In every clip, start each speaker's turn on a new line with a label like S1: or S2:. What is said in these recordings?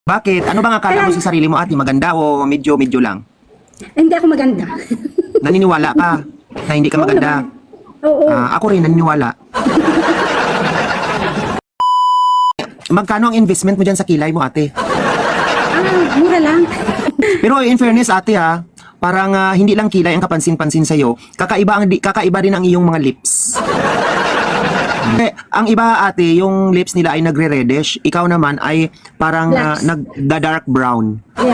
S1: Bakit? Ano bang akala mo sa sarili mo, ate? Maganda o medyo-medyo lang?
S2: Hindi ako maganda.
S1: Naniniwala ka na hindi ka
S2: Oo
S1: maganda?
S2: naman. Oo.
S1: Ako rin, naniniwala. Magkano ang investment mo dyan sa kilay mo, ate?
S2: Mura lang.
S1: Pero in fairness, ate parang hindi lang kilay ang kapansin-pansin sa'yo. Kakaiba rin ang iyong mga lips. Ang iba, ate, yung lips nila ay nagre-reddish. Ikaw naman ay parang
S2: Blacks.
S1: nagda-dark brown.
S2: Yeah.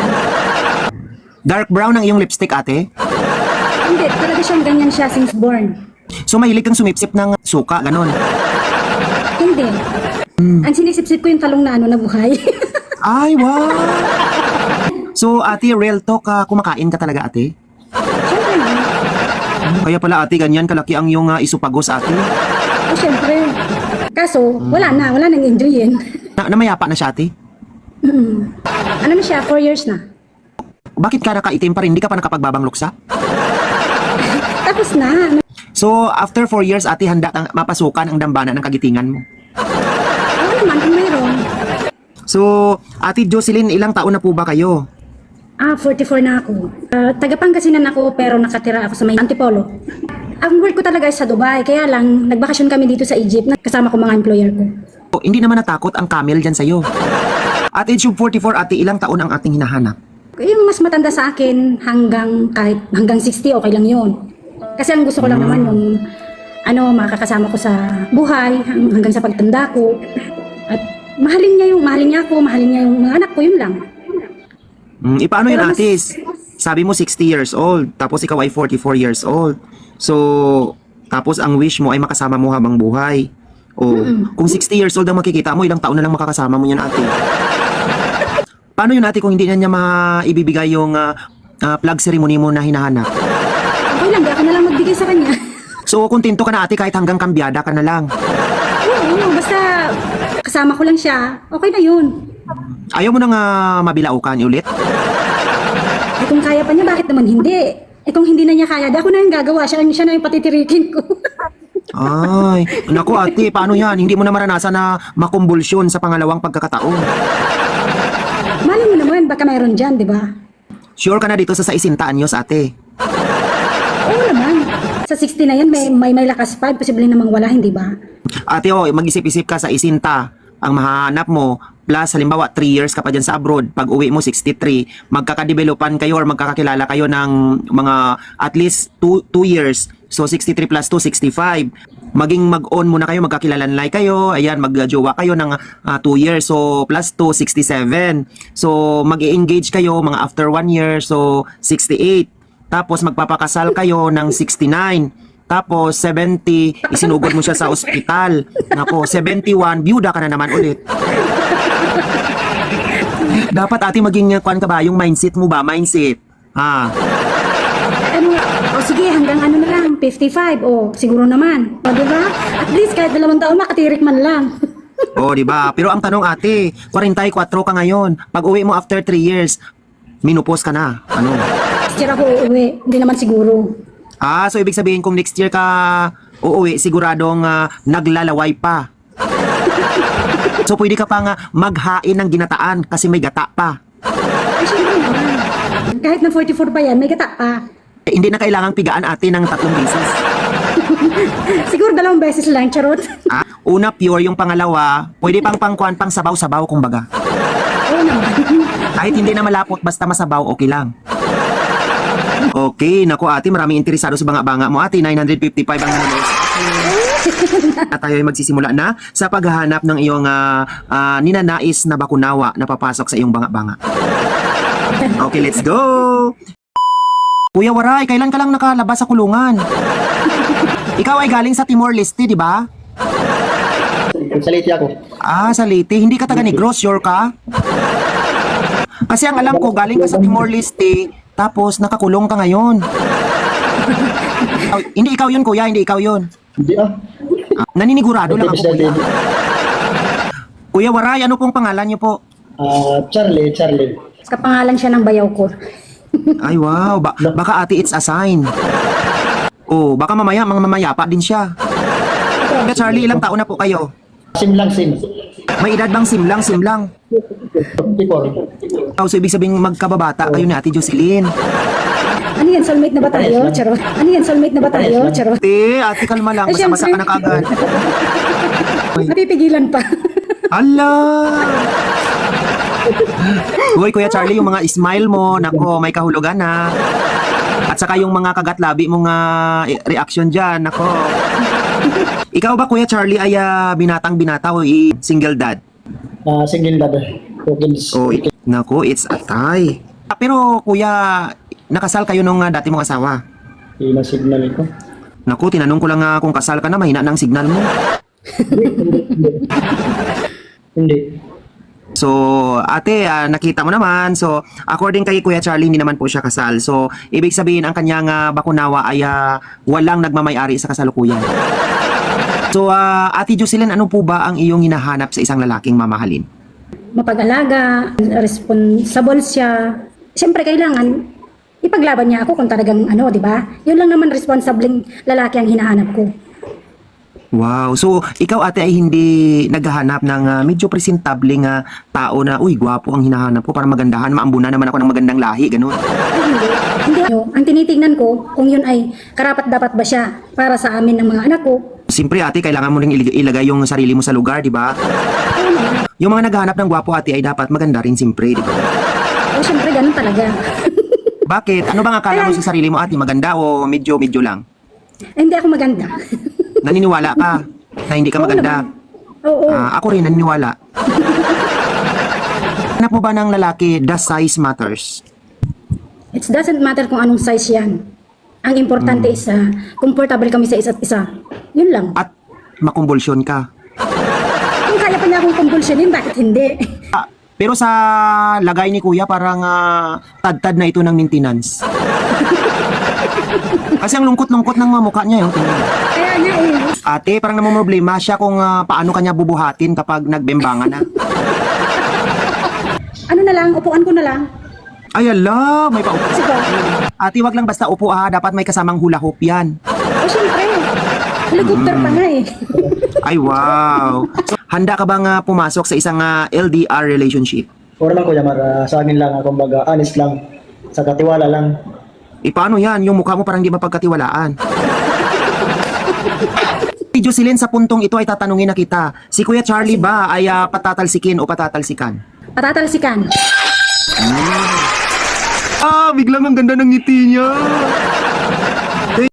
S1: Dark brown ang iyong lipstick, ate?
S2: Hindi, talaga siyang ganyan siya since born.
S1: So mahilig kang sumipsip ng suka, ganon.
S2: Hindi. Ang sinisip-sip ko yung talong na na buhay.
S1: Ay, wow! So, ate, real talk, kumakain ka talaga, ate?
S2: Siyempre na.
S1: Kaya pala, ate, ganyan kalaki ang iyong isupagos, ate.
S2: O siyempre. Kaso, wala nang enjoyin.
S1: Namayapa na siya, ate?
S2: Ano na siya, 4 years na.
S1: Bakit ka nakaitim pa rin? Hindi ka pa nakapagbabang luksa?
S2: Tapos na.
S1: So, after 4 years, ate, handa kang mapasukan ang dambana ng kagitingan mo.
S2: Oo naman, kung mayroon.
S1: So, ate Jocelyn, ilang taon na po ba kayo?
S2: 44 na ako. Taga Pangasinan ako pero nakatira ako sa may Antipolo. Ang work ko talaga ay sa Dubai, kaya lang nagbakasyon kami dito sa Egypt na kasama ko mga employer ko.
S1: Hindi naman natakot ang camel dyan sa'yo. At age of 44, ate, ilang taon ang ating hinahanap?
S2: Yung mas matanda sa akin kahit hanggang 60, okay lang yun. Kasi ang gusto ko lang naman yung makakasama ko sa buhay hanggang sa pagtanda ko. At mahalin niya ako, mahalin niya yung mga anak ko, yun lang.
S1: Paano yun,
S2: Pero
S1: ate? Sabi mo 60 years old, tapos ikaw ay 44 years old. So, tapos ang wish mo ay makasama mo habang buhay. Kung 60 years old ang makikita mo, ilang taon na lang makakasama mo yan, ate? Paano yun, ate, kung hindi na niya maibibigay yung plug ceremony mo na hinahanap?
S2: Okay lang, di ako na lang magbigay sa kanya.
S1: So, kontento ka na, ate, kahit hanggang kambyada ka na lang.
S2: Oo, basta kasama ko lang siya, okay na yun.
S1: Ayaw mo nang mabilaukan ulit?
S2: Kung kaya pa niya, bakit naman hindi? Kung hindi na niya kaya, di ako na yung gagawa, siya na yung patitirikin ko.
S1: Ay, naku, ate, paano yan? Hindi mo na maranasan na makumbulsyon sa pangalawang pagkakataon.
S2: Mali mo naman, baka mayroon dyan, di ba?
S1: Sure ka na dito sa 60 anyos, ate?
S2: Oo naman. Sa 60 na yan, may lakas pa, posible namang wala, hindi ba?
S1: Ate, mag-isip-isip ka sa isinta. Ang mahanap mo, plus halimbawa 3 years ka pa dyan sa abroad, pag uwi mo 63, magkakadevelopan kayo or magkakakilala kayo ng mga at least 2 years. So 63 plus 2, 65. Maging mag-on muna kayo, magkakilalanlay kayo, ayan, magjowa kayo ng 2 years. So plus 2, 67. So mag-engage kayo mga after 1 year, so 68. Tapos magpapakasal kayo ng 69. Tapos 70, isinugod mo siya sa ospital. Nako, 71, byuda ka na naman ulit. Dapat, ate, maging kuan ka ba? Yung mindset mo ba? Mindset.
S2: Sige, hanggang na lang, 55, siguro naman. Di ba? At least kahit 2 taon, makatirik man lang.
S1: Di ba? Pero ang tanong, ate, 44 ka ngayon. Pag uwi mo after 3 years, minupos ka na. Ano?
S2: Next year ako uuwi, hindi naman siguro.
S1: So ibig sabihin kung next year ka uuwi, siguradong naglalaway pa. So pwede ka pang maghain ng ginataan kasi may gata pa.
S2: Ay, syempre naman. Kahit na 44 pa yan, may gata pa.
S1: Hindi na kailangang pigaan, ate, ng 3 beses.
S2: Siguro 2 beses lang, charot.
S1: Una, pure. Yung pangalawa, pwede pang pang sabaw-sabaw, kumbaga.
S2: Oo naman.
S1: Kahit hindi na malapot, basta masabaw, okay lang. Okay, naku, ate, maraming interesado sa banga-banga mo, ate. 955 ang numbers. At tayo ay magsisimula na sa paghahanap ng iyong ninanais na bakunawa na papasok sa iyong banga-banga. Okay, let's go! Kuya Waray, kailan ka lang nakalabas sa kulungan? Ikaw ay galing sa Timor-Leste, di ba?
S3: Sa Leyte ako.
S1: Sa Leyte. Hindi ka taga Negros, sure ka? Kasi ang alam ko, galing ka sa Timor-Leste, tapos nakakulong ka ngayon. Hindi ikaw yun, kuya. Hindi ikaw yun.
S3: Hindi
S1: Naninigurado lang ako, kuya. Kuya Waray, ano pong pangalan niyo po?
S3: Charlie.
S2: Kapangalan siya ng bayaw ko.
S1: Ay, wow. Baka, ate, it's a sign. Baka mamaya, mamayapa din siya. Charlie, ilang taon na po kayo?
S3: Sim lang, sim.
S1: May edad bang simlang?
S3: 54.
S1: So, ibig sabihin magkababata kayo ni Ate Jocelyn.
S2: Ano yan, soulmate na ba tayo? Charot. Ano yan, soulmate na ba tayo? Charot.
S1: Ate, kalma lang.
S2: Ay,
S1: Basta-basta ka
S2: syempre.
S1: na kaagad.
S2: Napipigilan pa.
S1: Hala! Uy, Kuya Charlie, yung mga smile mo, nako, may kahulugan na. At saka yung mga kagat-labi mong reaction dyan, nako. Ikaw ba, Kuya Charlie, ay binatang-binata o single dad?
S3: Single dad. Hawkins.
S1: Oh, nako, it's atay. Pero, Kuya, nakasal kayo nung dati mong asawa?
S3: Yung signal ko.
S1: Naku, tinanong ko lang kung kasal ka na, mahina na ang signal mo.
S3: Hindi.
S1: So, ate, nakita mo naman. So, according kay Kuya Charlie, hindi naman po siya kasal. So, ibig sabihin, ang kanyang bakunawa ay walang nagmamayari sa kasalukuyan. So, Ate Jocelyn, ano po ba ang iyong hinahanap sa isang lalaking mamahalin?
S2: Mapag-alaga, responsible siya. Siyempre, kailangan ipaglaban niya ako kung talagang ano, di ba? Yun lang naman responsibleng lalaki ang hinahanap ko.
S1: Wow. So, ikaw ate ay hindi naghahanap ng medyo presentableng tao na, uy, gwapo ang hinahanap ko para magandahan, maambuna naman ako ng magandang lahi, ganun.
S2: Ay, hindi. Hindi. Ang tinitingnan ko, kung yun ay karapat-dapat ba siya para sa amin ng mga anak ko.
S1: Siyempre ate, kailangan mo ring ilagay yung sarili mo sa lugar, di ba?
S2: Oo naman.
S1: Yung mga naghahanap ng gwapo ate ay dapat maganda rin siyempre, di ba?
S2: O, siyempre, ganun talaga.
S1: Bakit? Ano bang akala mo sa sarili mo ate? Maganda o medyo lang?
S2: Hindi ako maganda.
S1: Naniniwala ka na hindi ka
S2: Oo
S1: maganda?
S2: naman. Oo.
S1: Ako rin naniniwala. Hanap mo ba ng lalaki, the size matters?
S2: It doesn't matter kung anong size yan. Ang importante is comfortable kami sa isa't isa. Yun lang.
S1: At makumbulsyon ka?
S2: Kung kaya pa niya akong kumpulsyonin, bakit hindi?
S1: Pero sa lagay ni kuya, parang tad-tad na ito ng maintenance. Kasi ang lungkot-lungkot ng mukha niya yung tingin.
S2: Kaya nga eh.
S1: Ate, parang namumroblema siya kung paano kanya bubuhatin kapag nagbembangan na.
S2: Ano na lang, upuan ko na lang.
S1: Ay ala, may paupo.
S2: Sige.
S1: Ate, wag lang basta upo dapat may kasamang hula hoop yan.
S2: O syempre, helicopter pa nga eh.
S1: Ay wow. So, handa ka bang pumasok sa isang LDR relationship?
S3: O naman Kuya Mar, sa akin lang, kumbaga, honest lang. Sa katiwala lang.
S1: Paano yan? Yung mukha mo parang di mapagkatiwalaan. Si Jocelyn, sa puntong ito ay tatanungin na kita. Si Kuya Charlie ba ay patatalsikin o patatalsikan?
S2: Patatalsikan.
S1: Biglang ang ganda ng ngiti niya.